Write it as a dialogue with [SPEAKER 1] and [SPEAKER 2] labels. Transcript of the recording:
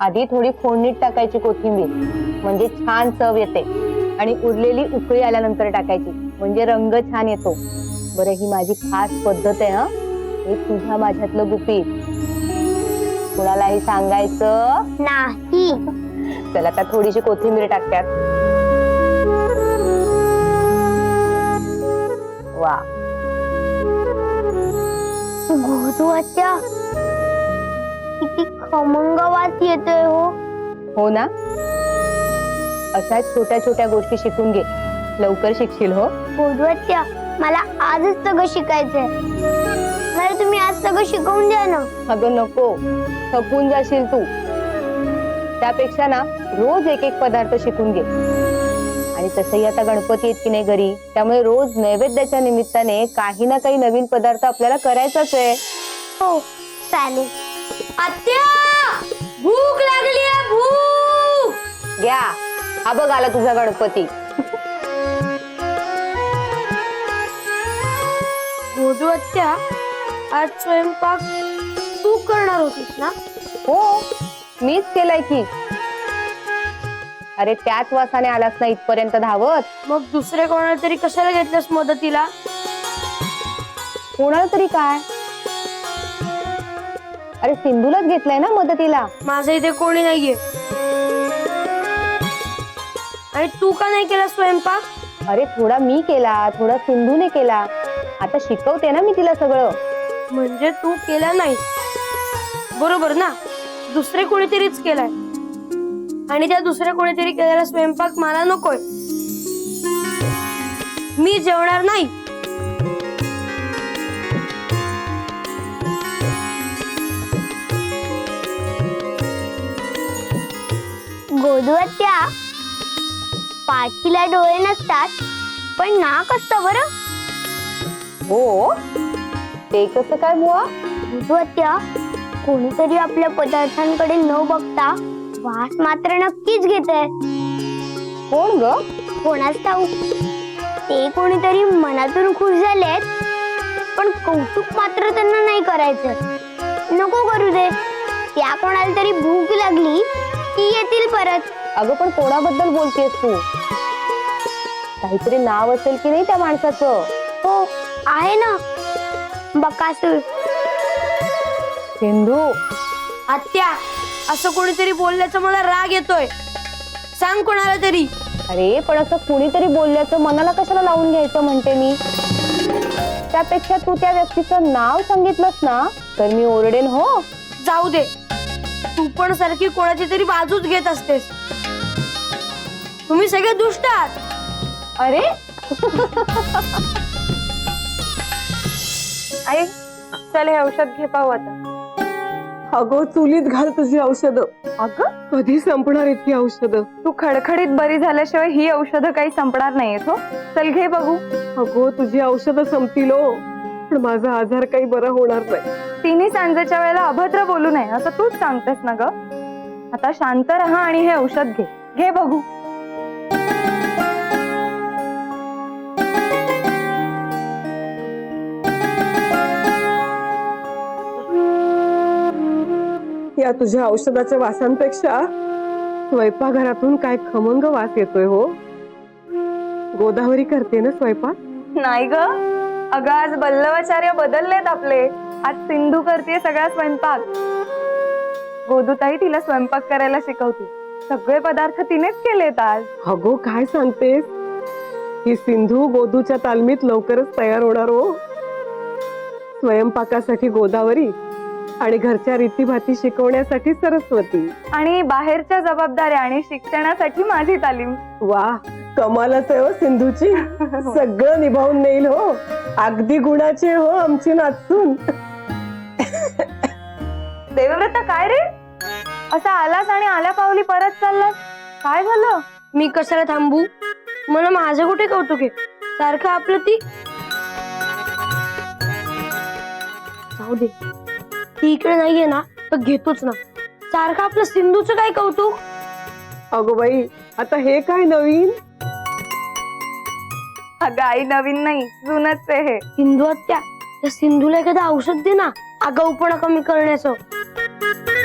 [SPEAKER 1] आधी थोडी फोडणीत टाकायची कोथिंबीर, म्हणजे छान चव येते, आणि उरलेली उकळी आल्यानंतर टाकायची, म्हणजे रंग छान येतो. बरं, ही माझी खास पद्धत आहे. हे तुझ्या माझ्यातलं गुपित, कुणालाही सांगायचं
[SPEAKER 2] नाही.
[SPEAKER 1] चला आता थोडीशी कोथिंबीर टाकतात. वा,
[SPEAKER 2] गोदूच्या किती खमंग वास येतोय हो.
[SPEAKER 1] हो ना. अशा छोट्या छोट्या गोष्टी शिकून घे, लवकर शिकशील. हो
[SPEAKER 2] गोदूच्या, मला आजच सगळं शिकायचंय. मला तुम्ही आज सगळं शिकवून द्या ना.
[SPEAKER 1] अगं नको, थकून जाशील तू. त्यापेक्षा ना रोज एक एक पदार्थ शिकून घे. आणि तसंही आता गणपती आहेत की नाही घरी, त्यामुळे रोज नैवेद्याच्या निमित्ताने काही ना काही नवीन पदार्थ आपल्याला करायचाच आहे.
[SPEAKER 2] हो, चालेल. आत्या, भूक लागली आहे, भूक.
[SPEAKER 1] घ्या, हा बघ आला तुझा गणपती.
[SPEAKER 2] गोदूच्या, आज स्वयंपाक तू करणार होतीस ना?
[SPEAKER 1] हो, मीच केलाय की. अरे त्याच वासाने आलास ना इथपर्यंत धावत.
[SPEAKER 2] मग दुसरे कोणाला तरी कशाला घेतलंस मदतीला?
[SPEAKER 1] कोणाला तरी काय, अरे सिंधूलाच घेतलंय ना मदतीला.
[SPEAKER 2] माझ्या इथे कोणी नाहीये. आणि तू का नाही केला स्वयंपाक?
[SPEAKER 1] अरे थोडा मी केला, थोडा सिंधूने केला. आता शिकवते ना मी तिला सगळं.
[SPEAKER 2] म्हणजे तू केला नाही, बरोबर ना? दुसरे कोणीतरीच केलाय, आणि त्या दुसऱ्या कोणीतरी केलेला स्वयंपाक मला नकोय. मी जेवणार नाही. गोदूच्या, पाठीला डोळे नसतात पण नाक असतं बरं.
[SPEAKER 1] हो, ते कसं काय बुवा?
[SPEAKER 2] गोदूच्या, कोणीतरी आपल्या पदार्थांकडे न बघता वास मात्र नक्कीच घेतय.
[SPEAKER 1] कोण ग?
[SPEAKER 2] कोणाच ठाऊक. ते कोणीतरी मनातून खुश झालेत, पण कौतुक मात्र त्यांना नाही करायचं. नको करू दे. त्या कोणाला तरी भूक लागली की येतील परत.
[SPEAKER 1] अगं पण कोणाबद्दल बोलतेस तू? काहीतरी नाव असेल की नाही त्या माणसाचं?
[SPEAKER 2] हो, आहे ना, बकासूर.
[SPEAKER 1] सिंधू,
[SPEAKER 2] आत्या, असं कोणीतरी बोलल्याचा मला राग येतोय. सांग कोणाला तरी.
[SPEAKER 1] अरे पण असं कुणीतरी बोलल्याचं मनाला कशाला लावून घ्यायचं म्हणते मी. त्यापेक्षा तू त्या व्यक्तीचं नाव सांगितलंस ना तर मी ओरडेन. हो,
[SPEAKER 2] जाऊ दे. तू पण सारखी कोणाची तरी बाजूच घेत असतेस. तुम्ही सगळे दुष्ट आहात.
[SPEAKER 1] अरे
[SPEAKER 3] आई, चल हे औषध घे पाहू आता.
[SPEAKER 4] अगो चुलीत घाल तुझी औषधं.
[SPEAKER 3] अगं,
[SPEAKER 4] कधी संपणार इतकी औषधं?
[SPEAKER 3] तू खडखडीत बरी झाल्याशिवाय ही औषधं काही संपणार नाहीयेत. हो, चल घे बघू.
[SPEAKER 4] अगो तुझी औषधं संपतील हो, पण माझा आजार काही बरा होणार नाही.
[SPEAKER 3] तिन्ही सांजेच्या वेळेला अभद्र बोलू नये असं तूच सांगतेस ना ग. आता शांत राहा आणि हे औषध घे. घे बघू.
[SPEAKER 4] या तुझ्या औषधाच्या वासांपेक्षा स्वयंपाकघरातून काय खमंग वास येतोय हो. गोदावरी करते ना स्वयंपाक?
[SPEAKER 3] नाही ग, अगं आज बल्लवाचार्य बदललेत आपले. आज सिंधू करते सगळा स्वयंपाक. गोदूताई तिला स्वयंपाक करायला शिकवते. सगळे पदार्थ तिनेच केलेत आज.
[SPEAKER 4] अगो काय सांगतेस? ही सिंधू गोदूच्या तालमीत लवकरच तयार होणार हो. स्वयंपाकासाठी गोदावरी आणि घरच्या रीतीभाती शिकवण्यासाठी सरस्वती,
[SPEAKER 3] आणि बाहेरच्या जबाबदाऱ्या आणि शिक्षणासाठी माझी तालीम.
[SPEAKER 4] वा, कमालच आहे हो सिंधूची. सगळं निभावून नेईल हो. अगदी गुणाचे हो आमची नाचून.
[SPEAKER 3] देवव्रता, काय रे असा आलास आणि आल्या पावली परत चाललास? काय झालं?
[SPEAKER 2] मी कशाला थांबू? मला माझं कुठे कौतुक आहे? सारखं आपलं ती. जाऊ दे, ती इकडे नाहीये ना तर घेतोच ना. सारखं आपलं सिंधूचं काय कौतुक?
[SPEAKER 4] अगो बाई, आता हे काय नवीन?
[SPEAKER 3] अगं आई, नवीन नाही, जुनच आहे हे.
[SPEAKER 2] सिंधू आत्या, त्या सिंधूला एखादं औषध दे ना आगाऊपणा कमी करण्याचं.